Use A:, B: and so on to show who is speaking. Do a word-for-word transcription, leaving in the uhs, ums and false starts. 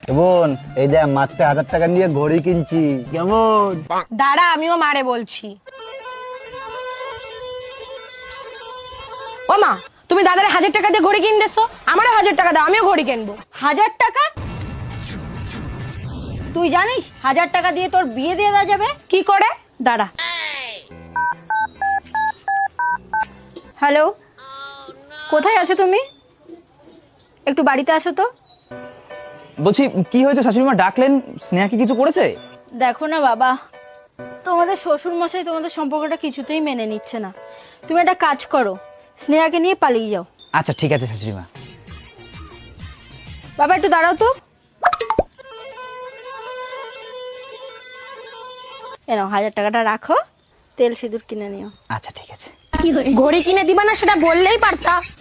A: বোন এই দেখ মাত্র হাজার টাকা নিয়ে ঘড়ি কিনছি, কেমন?
B: দাঁড়া আমিও মারে বলছি। ও মা, তুমি দাদারে হাজার টাকা দিয়ে ঘড়ি কিনতেছো, আমারও হাজার টাকা দাও, আমিও ঘড়ি কিনবো।
C: হাজার টাকা? তুই জানিস হাজার টাকা দিয়ে তোর বিয়ে দিয়ে দেওয়া যাবে?
B: কি করে?
C: দাঁড়া। হ্যালো, কোথায় আছো তুমি? একটু বাড়িতে আসো তো।
D: বলছি কি হয়েছে, শাশুড়িমা ডাকলেন? স্নেহা কি কিছু করেছে?
C: দেখো না বাবা, তোমাদের শ্বশুর মশাই তোমাদের সম্পর্কটা কিছুতেই মেনে নিচ্ছে না। তুমি একটা কাজ করো, স্নেহাকে নিয়ে পালিয়ে যাও।
D: আচ্ছা ঠিক আছে শাশুড়িমা।
C: বাবা একটু দাঁড়াও তো। এনাও হাজার টাকাটা রাখো, তেল সিঁদুর কিনে নিও।
D: আচ্ছা ঠিক আছে।
B: ঘড়ি কিনে দিবা না সেটা বললেই পারতা।